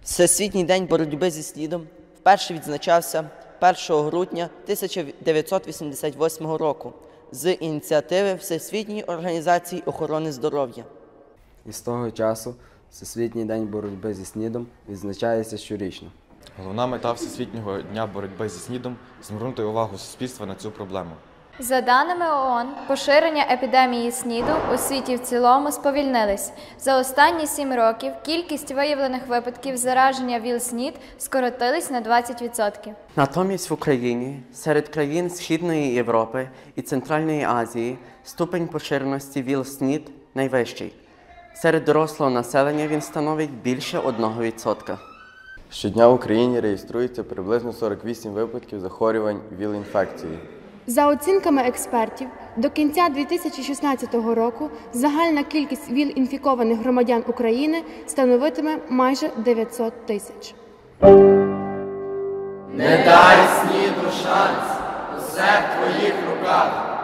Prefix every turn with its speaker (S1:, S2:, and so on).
S1: Всесвітній день боротьби зі СНІДом вперше відзначався 1 грудня 1988 року з ініціативи Всесвітньої організації охорони здоров'я.
S2: І з того часу Всесвітній день боротьби зі СНІДом відзначається щорічно.
S3: Головна мета Всесвітнього дня боротьби зі СНІДом – звернути увагу суспільства на цю проблему.
S4: За даними ООН, поширення епідемії СНІДу у світі в цілому сповільнилось. За останні 7 років кількість виявлених випадків зараження ВІЛ-СНІД скоротилась на 20%.
S5: Натомість в Україні, серед країн Східної Європи і Центральної Азії, ступень поширеності ВІЛ-СНІД найвищий. Серед дорослого населення він становить більше 1%.
S6: Щодня в Україні реєструється приблизно 48 випадків захворювань ВІЛ-інфекцією.
S7: За оцінками експертів, до кінця 2016 року загальна кількість ВІЛ-інфікованих громадян України становитиме майже 900 тисяч.
S8: Не дай СНІДу шанс, усе в твоїх руках.